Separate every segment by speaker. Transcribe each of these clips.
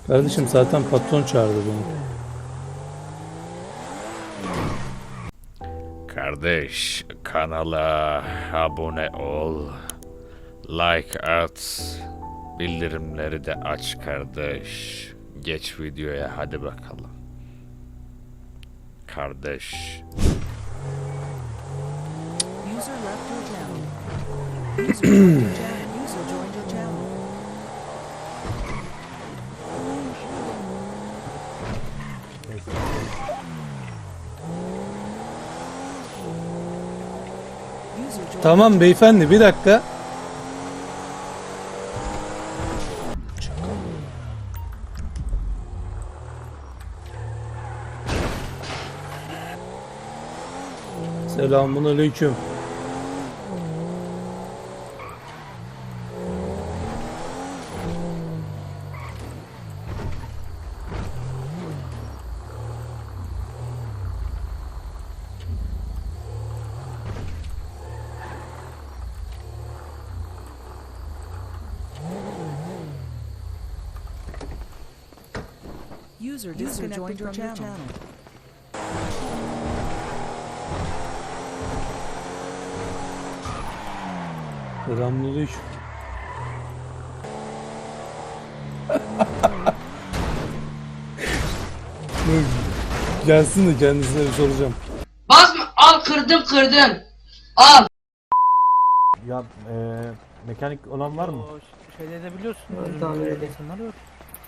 Speaker 1: Kardeşim zaten patron çağırdı beni.
Speaker 2: Kardeş, kanala abone ol, like at, bildirimleri de aç kardeş. Geç videoya hadi bakalım. Kardeş.
Speaker 3: User left your channel. User joined your channel. User joined your channel. User joined
Speaker 1: Tamam beyefendi, bir dakika. Selamünaleyküm.
Speaker 3: User disconnected from your channel.
Speaker 1: Selamünaleyküm. Dur, gelsin de kendisine bir soracağım.
Speaker 4: Basma, al kırdın. Al.
Speaker 5: Ya mekanik olan var mı?
Speaker 6: O şeyde de biliyorsun.
Speaker 4: Tamam, öyle.
Speaker 6: İnsanlar yok.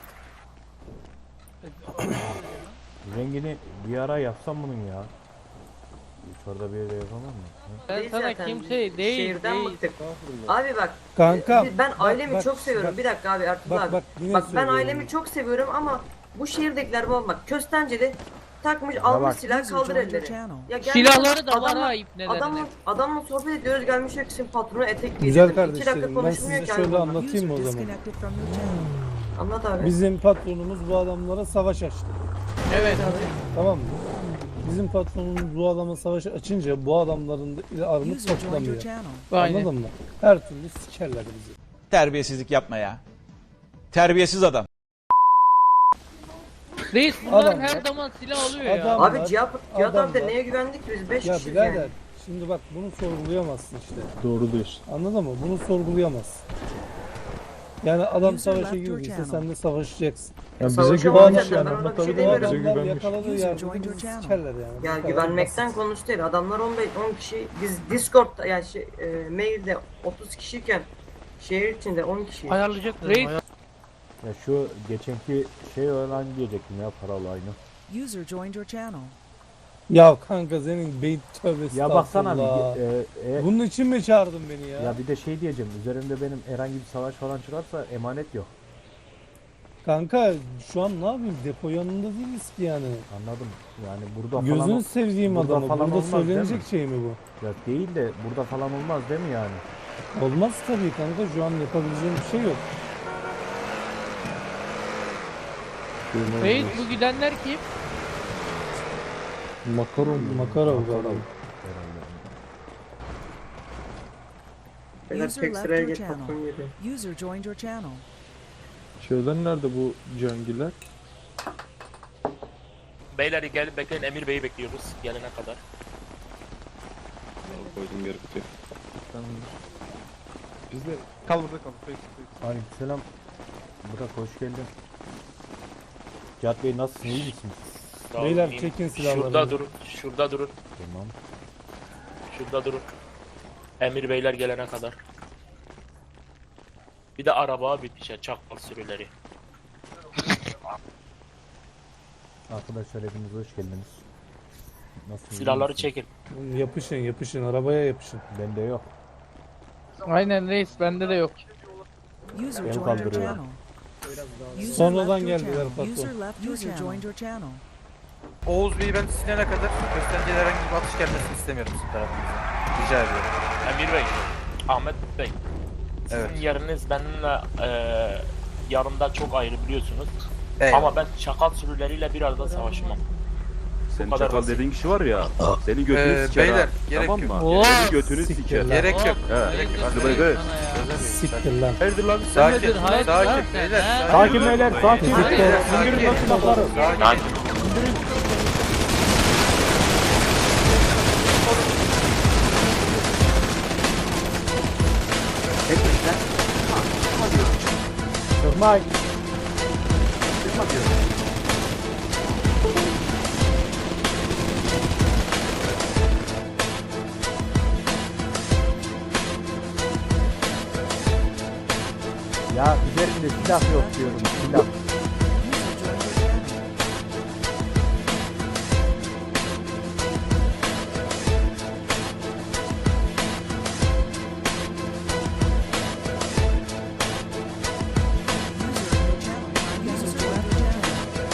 Speaker 5: Rengini bir ara yapsam bunun ya. Şurada bir yere yapamam mı?
Speaker 6: Ben
Speaker 7: Değil
Speaker 6: sana
Speaker 7: zaten,
Speaker 6: kimse
Speaker 7: şehirden
Speaker 6: değil.
Speaker 7: bıktık. Abi bak,
Speaker 1: Kanka.
Speaker 7: ben
Speaker 1: bak,
Speaker 7: ailemi
Speaker 1: bak,
Speaker 7: çok seviyorum.
Speaker 1: bak.
Speaker 7: Bir dakika abi Ertuğrul
Speaker 1: Bak,
Speaker 7: abi.
Speaker 1: bak, yine
Speaker 7: Bak ben
Speaker 1: söylüyorum.
Speaker 7: ailemi çok seviyorum ama bu şehirdekiler bak Köstenceli takmış
Speaker 5: bak.
Speaker 7: almış silah
Speaker 3: User
Speaker 7: kaldır
Speaker 3: joined your
Speaker 7: elleri.
Speaker 3: channel.
Speaker 7: Ya gelmiş,
Speaker 6: Silahları da var
Speaker 7: adamla-
Speaker 6: ha ipnelerine.
Speaker 7: Adamla sohbet ediyoruz gelmiş yok sizin patronu etek
Speaker 1: Güzel
Speaker 7: giydirdim. 2 dakika
Speaker 1: kardeşlerim, ben
Speaker 7: konuşmuyor
Speaker 1: size
Speaker 7: ki abi
Speaker 1: şöyle
Speaker 7: bunlar.
Speaker 1: anlatayım mı o
Speaker 3: User
Speaker 1: zaman?
Speaker 3: disconnected from your channel.
Speaker 7: Anlat abi.
Speaker 1: Bizim patronumuz bu adamlara savaş açtı.
Speaker 6: Evet.
Speaker 1: Tamam mı? Bizim patronumuz bu adama savaş açınca bu adamların da armut
Speaker 3: User joined your
Speaker 1: toplamıyor.
Speaker 3: channel.
Speaker 6: Aynen.
Speaker 1: Anladın mı? Her türlü sikerler bizi.
Speaker 8: Terbiyesizlik yapma ya. Terbiyesiz adam.
Speaker 6: Reis bunlar
Speaker 1: Adam-
Speaker 6: her zaman silah alıyor ya.
Speaker 1: Adam-
Speaker 7: Abi Cihat abi de
Speaker 1: adamlar-
Speaker 7: neye güvendik ki biz 5
Speaker 1: Ya
Speaker 7: kişiyiz
Speaker 1: birader,
Speaker 7: yani.
Speaker 1: şimdi bak bunu sorgulayamazsın işte.
Speaker 5: Doğru diyorsun.
Speaker 1: Anladın mı? Bunu sorgulayamazsın. Yani adam
Speaker 3: User
Speaker 1: savaşa
Speaker 3: left your
Speaker 1: girdiyse
Speaker 3: channel.
Speaker 1: sen de savaşacaksın.
Speaker 5: Ya bize
Speaker 7: Savaşa
Speaker 5: güvenmiş
Speaker 7: alacaklar,
Speaker 5: yani.
Speaker 7: ben ona bir şey
Speaker 5: Anlatabiliyor muyum?
Speaker 1: Bu
Speaker 7: demiyorum.
Speaker 5: Bize
Speaker 1: adamlar
Speaker 5: güvenmiş.
Speaker 1: yakaladığı
Speaker 3: User
Speaker 1: yerde
Speaker 3: joined
Speaker 1: bizi
Speaker 3: your channel.
Speaker 1: sikerler yani.
Speaker 7: Ya
Speaker 1: Bu kadar
Speaker 7: güvenmekten
Speaker 1: basit.
Speaker 7: konuş değil. Adamlar 10 kişi. Biz Discord'da yani mailde 30 kişiyken şehir içinde 10 kişi.
Speaker 6: Ayarlayacaklar. Reis
Speaker 5: Ya şu geçenki şey olan diyecektim ya, para olayını.
Speaker 3: User joined your channel.
Speaker 1: Ya kanka senin beyin tövbe
Speaker 5: Ya baksana
Speaker 1: estağfurullah.
Speaker 5: bir,
Speaker 1: Bunun için mi çağırdın beni ya?
Speaker 5: ya bir de şey diyeceğim. Üzerimde benim herhangi bir savaş falan çıkarsa emanet yok.
Speaker 1: Kanka şu an ne yapayım? Depo yanında değiliz ki yani.
Speaker 5: Anladım. Yani burada
Speaker 1: Gözünü
Speaker 5: falan
Speaker 1: sevdiğim
Speaker 5: burada
Speaker 1: adamı.
Speaker 5: falan
Speaker 1: Burada
Speaker 5: olmaz, değil
Speaker 1: söylenecek
Speaker 5: mi?
Speaker 1: şey mi bu?
Speaker 5: ya değil de burada falan olmaz değil mi yani?
Speaker 1: Olmaz tabii kanka. Şu an yapabileceğim bir şey yok.
Speaker 6: Reis bu gidenler kim?
Speaker 5: Makaron.
Speaker 1: Makarov galiba.
Speaker 7: Beyler
Speaker 3: User
Speaker 7: tek
Speaker 3: left
Speaker 7: sıraya
Speaker 3: your
Speaker 7: geç
Speaker 3: channel.
Speaker 7: patron geliyor.
Speaker 3: User joined your channel.
Speaker 9: Şeyden nerede bu cangiller?
Speaker 10: Beyler gelin bekleyin, Emir Bey'i bekliyoruz gelene kadar.
Speaker 9: Koydum geri kutuya. Biz de kal burada kal. Peki.
Speaker 5: Aleykümselam. Burak hoş geldin. Cihat Bey nasılsın? İyi misiniz?
Speaker 10: Sağ
Speaker 1: Beyler,
Speaker 10: olun,
Speaker 1: çekin
Speaker 10: iyiyim.
Speaker 1: silahlarınızı.
Speaker 10: Şurada durun, şurada durun,
Speaker 5: Tamam.
Speaker 10: şurada durun. Emir Beyler gelene kadar. Bir de araba bitişe, çakal sürüleri.
Speaker 5: Arkadaşlar hepiniz hoş geldiniz. Nasılsınız?
Speaker 10: Silahları
Speaker 5: İyi misiniz?
Speaker 10: çekin.
Speaker 1: Yapışın yapışın. Arabaya yapışın.
Speaker 5: Bende yok.
Speaker 6: Aynen reis bende de yok.
Speaker 3: User
Speaker 5: Beni
Speaker 3: joined your
Speaker 5: kaldırıyor.
Speaker 3: channel. User
Speaker 1: Sonradan
Speaker 3: left your
Speaker 1: geldiler
Speaker 3: channel.
Speaker 1: patron.
Speaker 3: User left your channel. Joined your channel.
Speaker 11: Oğuz Bey'i ben silene kadar göstergeye herhangi bir atış gelmesini istemiyorum sizin tarafınızdan. Rica ediyorum.
Speaker 10: Emir Bey, Ahmet Bey. Sizin
Speaker 11: Evet.
Speaker 10: yeriniz benimle yanımda çok ayrı biliyorsunuz.
Speaker 11: Eyvallah.
Speaker 10: Ama ben çakal sürüleriyle bir arada savaşmam.
Speaker 9: senin
Speaker 10: kadar
Speaker 9: çakal
Speaker 10: basit.
Speaker 9: dediğin kişi var ya. Seni götünü siker
Speaker 11: beyler,
Speaker 9: ha.
Speaker 11: gerek
Speaker 9: Tamam
Speaker 11: yok.
Speaker 9: mı?
Speaker 6: Oo,
Speaker 9: Seni götünü
Speaker 1: siktir
Speaker 9: siker.
Speaker 1: lan.
Speaker 11: Gerek yok.
Speaker 9: He.
Speaker 6: Hayırdır
Speaker 9: Hadi
Speaker 6: Reis
Speaker 9: bay bay.
Speaker 6: sana ya.
Speaker 1: Siktir lan.
Speaker 9: Hayırdır lan?
Speaker 11: Sakin,
Speaker 6: Hayırdır, hayırdır lan
Speaker 11: sakin
Speaker 6: sen,
Speaker 11: beyler.
Speaker 6: he?
Speaker 5: Sakin beyler sakin.
Speaker 11: Beyler,
Speaker 5: İndirin
Speaker 11: sakin.
Speaker 5: lan silahları.
Speaker 11: Sakin.
Speaker 5: Çıkmayın. Ya üzerinde silah yok diyorum silah.
Speaker 3: User left your channel.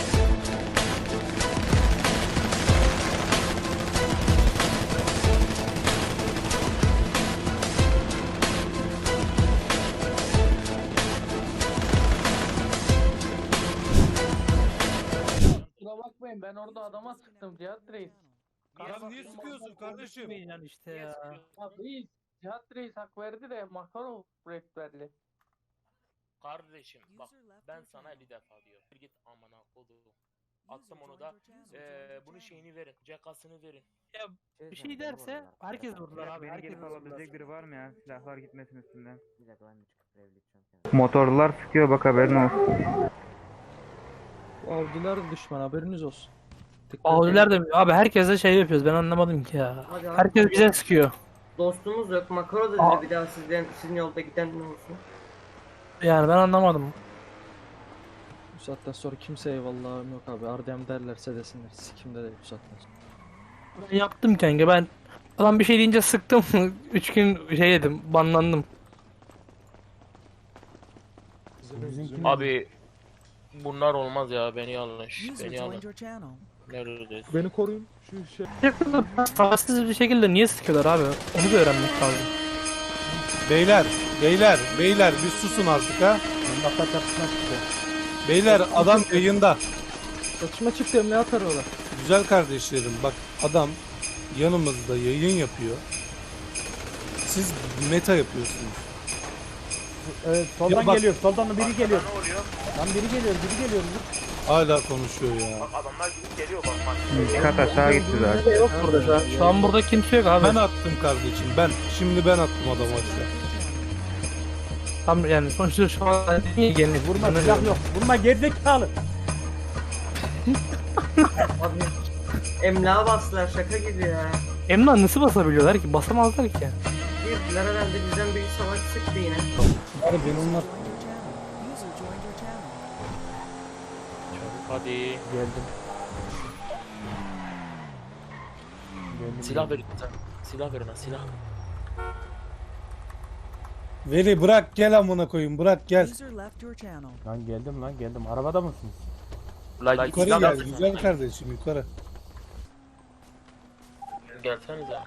Speaker 6: Kusura bakmayın ben orada adama sıktım Cihat Reis.
Speaker 1: Ya niye sıkıyorsun kardeşim?
Speaker 6: Yani işte ya. Reis, Cihat Reis hak verdi de Makarov rehberli.
Speaker 10: Kardeşim bak ben sana 50 defa diyorum. Bir git amına koduğum. Attım onu da bunun şeyini verin. Cekasını verin.
Speaker 6: Bir şey derse herkes vurdular abi. Herkes vurdular.
Speaker 5: biri var mı ya? Silahlar gitmesin üstünden.
Speaker 11: Motorlar sıkıyor bak haberin olsun.
Speaker 1: Avcılar düşman haberiniz olsun.
Speaker 6: Avcılar da abi herkese şey yapıyoruz ben anlamadım ki ya.
Speaker 7: Hadi abi.
Speaker 6: Herkes bize sıkıyor.
Speaker 7: Dostumuz yok. Makaro da
Speaker 6: Aa.
Speaker 7: dedi bir daha sizin yolda giden ne olsun.
Speaker 6: Yani ben anlamadım.
Speaker 1: Bu saatten sonra kimse eyvallahım yok abi. Ardem derlerse desinler. Sikimde de bu saatten sonra.
Speaker 6: Ben yaptım kanka ben adam bir şey deyince sıktım 3 gün şey yedim banlandım.
Speaker 10: Abi bunlar olmaz ya beni yanlış.
Speaker 3: User
Speaker 10: Beni alın.
Speaker 3: joined your channel.
Speaker 10: Neredeyiz?
Speaker 9: Beni koruyun. Şu şey.
Speaker 6: Sağsız bir şekilde niye sıkıyorlar abi onu da öğrenmek lazım.
Speaker 1: Beyler bir susun artık ha.
Speaker 5: Bak çatışma çıktı.
Speaker 1: Beyler adam yayında.
Speaker 5: Çatışma çıktı ne atar ola?
Speaker 1: Güzel kardeşlerim bak adam yanımızda yayın yapıyor. Siz meta yapıyorsunuz.
Speaker 5: Evet soldan
Speaker 1: Ya bak-
Speaker 5: geliyor. Soldan da biri geliyor.
Speaker 10: Ne oluyor?
Speaker 5: Lan biri geliyor.
Speaker 1: Hala konuşuyor ya.
Speaker 10: Bak adamlar gidip geliyor bak bak.
Speaker 11: Kat aşağı gitti zaten.
Speaker 6: Yok burada şu an. Şu an burada kimse yok abi.
Speaker 1: Ben attım kardeşim ben. Şimdi ben attım adamı aşağı.
Speaker 6: Tam yani sonuçta şu an niye gelin
Speaker 5: Vurma silah yok. Vurma gerizekalı.
Speaker 7: Abi emlağa bastılar şaka gibi ya.
Speaker 6: Emlak nasıl basabiliyorlar ki? Basamazlar ki.
Speaker 7: Girdiler herhalde bizden biri savaş sıktı yine.
Speaker 1: Abi ben onlar
Speaker 3: User joined your channel.
Speaker 10: Hadi.
Speaker 5: Geldim.
Speaker 10: Silah verin sen. Silah verin ha silah.
Speaker 1: Veli bırak gel amına koyayım bırak gel.
Speaker 3: User left your channel.
Speaker 5: Lan geldim. Arabada mısınız?
Speaker 10: Lan
Speaker 1: Yukarı
Speaker 10: silah
Speaker 1: gel
Speaker 10: verin.
Speaker 1: güzel kardeşim yukarı.
Speaker 10: Gelsenize.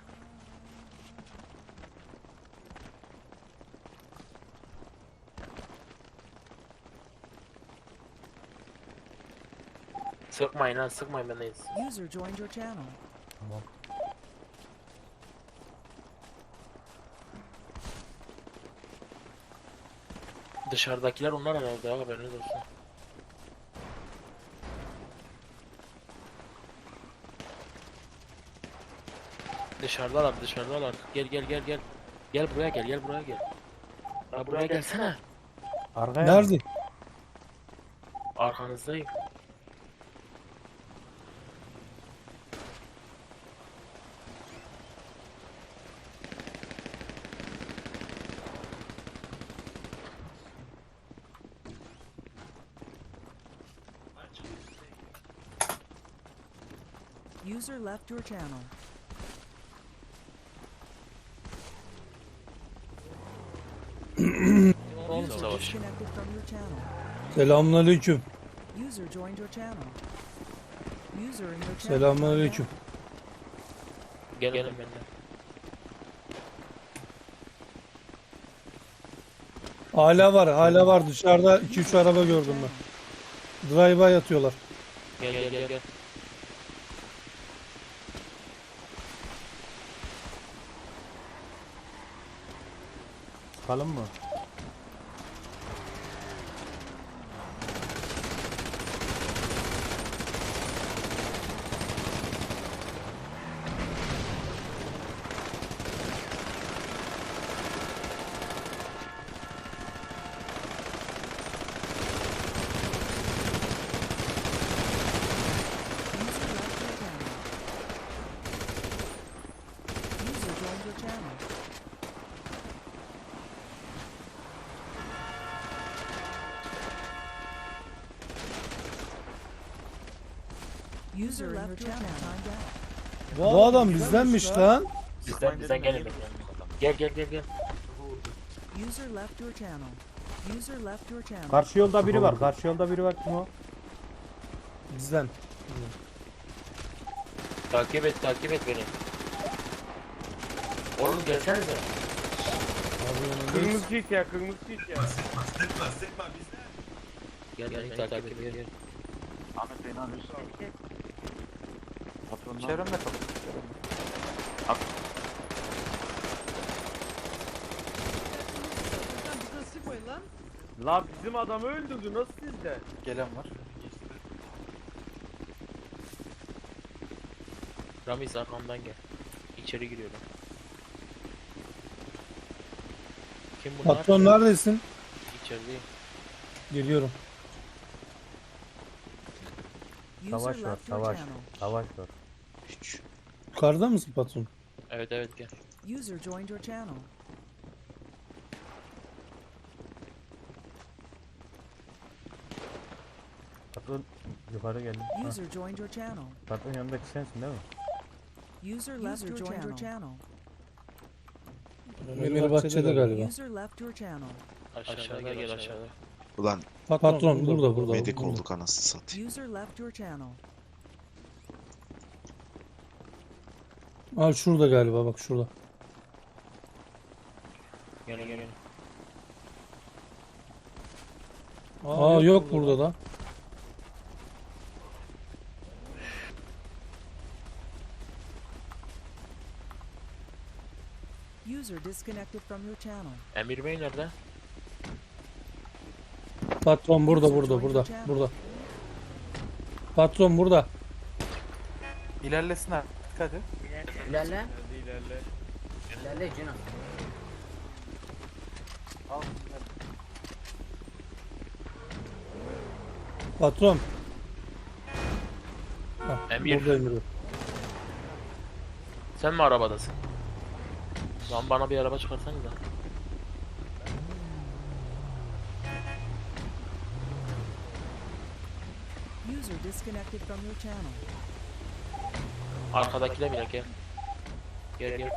Speaker 10: Sıkmayın ha sıkmayın bendeyiz.
Speaker 3: User joined your channel.
Speaker 10: Dışarıdakiler onlar herhalde ya haberiniz olsun. Dışarıdalar. Gel. Gel buraya gel. Ya buraya gelsene.
Speaker 5: Arkaya.
Speaker 1: Nerede?
Speaker 10: Arkanızdayım.
Speaker 3: User left your channel. User
Speaker 10: Savaş.
Speaker 3: disconnected from your channel.
Speaker 1: Selamünaleyküm.
Speaker 3: User joined your channel. User in your channel.
Speaker 1: Selamünaleyküm.
Speaker 10: Gelin benimle.
Speaker 1: Hala var dışarıda 2-3 araba gördüm ben. Drive'a yatıyorlar.
Speaker 10: Gel.
Speaker 5: Çıkalım mı?
Speaker 3: User joined your channel. User left your channel. Timed out.
Speaker 12: Bu adam bizdenmiş lan.
Speaker 10: Bizden gelin. Gel.
Speaker 3: User left your channel. User left your channel.
Speaker 5: Karşı yolda biri var. Karşı yolda biri var. Kim o?
Speaker 12: Bizden.
Speaker 10: Takip et beni. Oğlum gelsenize.
Speaker 9: Kırmızı çift ya, kırmızı çift ya.
Speaker 10: Gel takip et. Gel.
Speaker 11: Çevremde kal.
Speaker 9: La bizim adamı öldürdü, nasıl sizde?
Speaker 11: Gelen var.
Speaker 10: Ramiz arkamdan gel. İçeri giriyorum. Kim bunlar?
Speaker 12: Patron neredesin?
Speaker 10: İçerideyim.
Speaker 12: Geliyorum.
Speaker 3: User
Speaker 5: Savaş var.
Speaker 3: left your
Speaker 5: Savaş.
Speaker 3: channel.
Speaker 5: Savaş var.
Speaker 12: Yukarıda mısın patron?
Speaker 10: Evet gel.
Speaker 3: User joined your channel.
Speaker 5: Patron yukarı geldi. Ha,
Speaker 3: User joined your channel.
Speaker 5: patron yanındaki sensin değil mi?
Speaker 3: User left your channel.
Speaker 12: Emir bahçede galiba.
Speaker 3: User left your channel.
Speaker 10: Aşağıda gel aşağıda.
Speaker 13: Ulan
Speaker 12: Patron burada.
Speaker 13: medik
Speaker 12: burada.
Speaker 13: olduk anasını satayım.
Speaker 3: User left your channel.
Speaker 12: Aa şurada galiba bak şurada.
Speaker 10: Gel.
Speaker 12: Aa yok burada da.
Speaker 3: User disconnected from your channel.
Speaker 10: Emir Bey nerede?
Speaker 12: Patron burada. Patron burada.
Speaker 11: İlerlesin artık hadi.
Speaker 4: İlerle.
Speaker 9: İlerle.
Speaker 4: İlerle Cino.
Speaker 11: Al.
Speaker 12: Patron. Hah,
Speaker 10: Emir.
Speaker 12: burada Emir.
Speaker 10: Sen mi arabadasın? Lan bana bir araba çıkarsanız da.
Speaker 3: User disconnected from your channel.
Speaker 10: Arkadakine bile gel. Gel.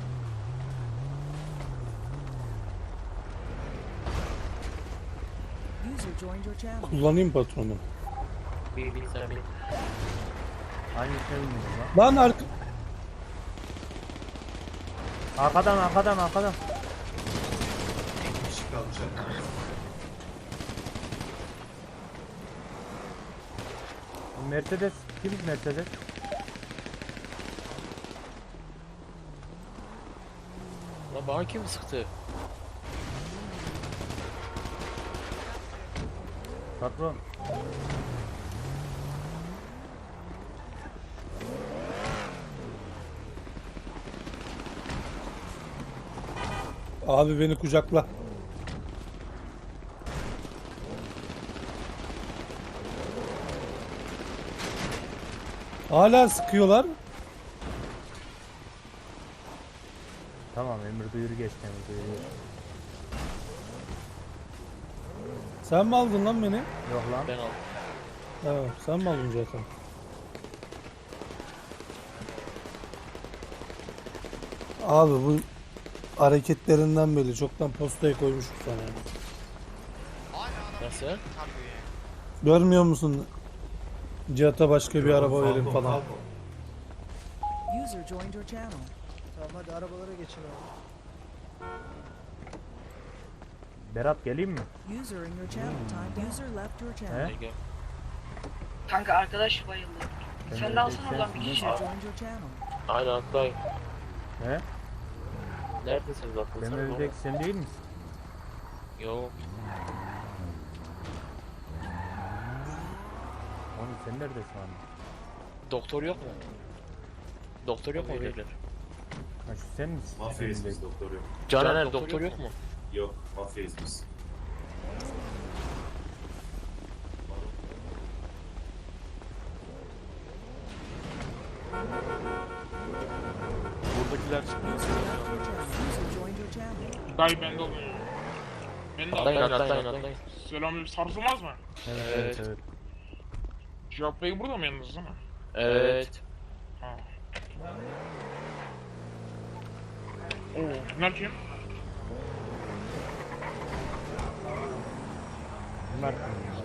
Speaker 3: User joined your channel.
Speaker 12: Kullanayım patronu.
Speaker 10: Bir sen bir.
Speaker 5: Aynı şey mi lan?
Speaker 12: Lan
Speaker 5: Arkadan. Mercedes. Kim Mercedes?
Speaker 10: Lan bana kim sıktı?
Speaker 5: Patron.
Speaker 12: abi beni kucakla. Hala sıkıyorlar.
Speaker 5: Tamam Emir duyuru geçti Emir duyuru.
Speaker 12: Sen mi aldın lan beni?
Speaker 5: Yok lan.
Speaker 10: Ben aldım.
Speaker 12: Evet, sen mi aldın zaten? Abi bu hareketlerinden belli. Çoktan postaya koymuşum sana. Yani.
Speaker 10: Nasıl?
Speaker 12: Görmüyor musun? Cihat'a başka bir araba verin falan.
Speaker 3: User joined your channel.
Speaker 1: Tamam hadi arabalara geçin abi.
Speaker 5: Berat geleyim mi?
Speaker 3: User in your channel timed. User left your channel.
Speaker 5: He?
Speaker 10: Gel.
Speaker 4: Kanka arkadaş bayıldı. Sen de alsana oradan bir kişi.
Speaker 3: User joined your channel.
Speaker 10: Aynen atlayın.
Speaker 5: He?
Speaker 10: Neredesiniz
Speaker 5: Ben
Speaker 10: atlasana?
Speaker 5: ölecek sen değil misin?
Speaker 10: Yok.
Speaker 5: Oğlum sen neredesin abi?
Speaker 10: Doktor yok mu? Doktor yok mu beyler?
Speaker 5: Ha şu sen misin?
Speaker 9: Mafyayız
Speaker 5: Senin
Speaker 9: biz,
Speaker 5: de-
Speaker 9: doktor yok.
Speaker 10: Caner doktor yok mu?
Speaker 9: Yok, mafyayız biz.
Speaker 10: Buradakiler
Speaker 3: User left your channel. User joined your channel.
Speaker 10: Dayı ben de oluyor. Ben de atlayın.
Speaker 9: Selam, sarsılmaz mı?
Speaker 5: Evet evet.
Speaker 9: Cevap Bey burada mı yalnız değil mi?
Speaker 10: Evet.
Speaker 9: Ha. Oo, bunlar kim?
Speaker 5: Bunlar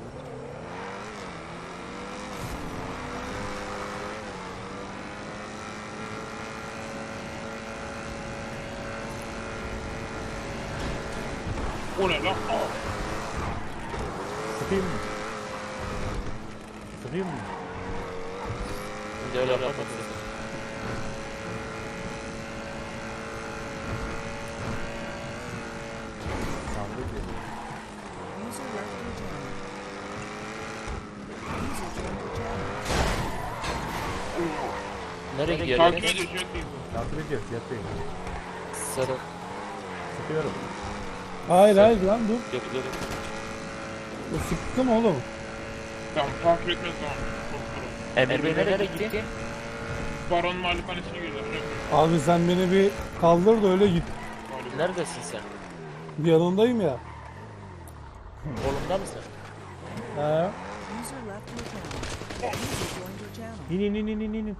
Speaker 9: O ne lan? Aa,
Speaker 5: sıkayım mı? Sıkayım mı?
Speaker 10: Şimdi öyle yapmak
Speaker 5: Tamam dur.
Speaker 3: User left your channel. User joined your channel.
Speaker 10: Nereye gidiyor?
Speaker 9: takip ediyor, Jet Bey.
Speaker 5: Takip ediyoruz yatayım.
Speaker 10: Sarı.
Speaker 5: Sıkıyorum.
Speaker 12: Hayır hayır lan dur.
Speaker 10: Yok.
Speaker 12: O sıktım oğlum.
Speaker 9: Tamam, takip etmez tamam. Doktorum.
Speaker 10: Emir Bey nereye gitti?
Speaker 9: Baron malikanesine geliyor. Jet Bey.
Speaker 12: Abi sen beni bir kaldır da öyle git.
Speaker 10: Neredesin sen?
Speaker 12: Yanındayım ya.
Speaker 10: Kolumda mısın?
Speaker 12: He.
Speaker 3: User left your channel. User joined your channel.
Speaker 5: İn.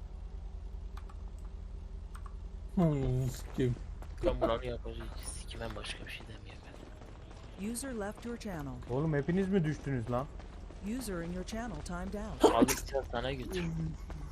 Speaker 12: Sikeyim.
Speaker 10: Ben bunu yapacağım. Sikimem başka bir şey demiyorum ben.
Speaker 3: User left your channel.
Speaker 5: Oğlum hepiniz mi düştünüz lan?
Speaker 3: User in your channel timed out.
Speaker 10: Aldıkça sana götür.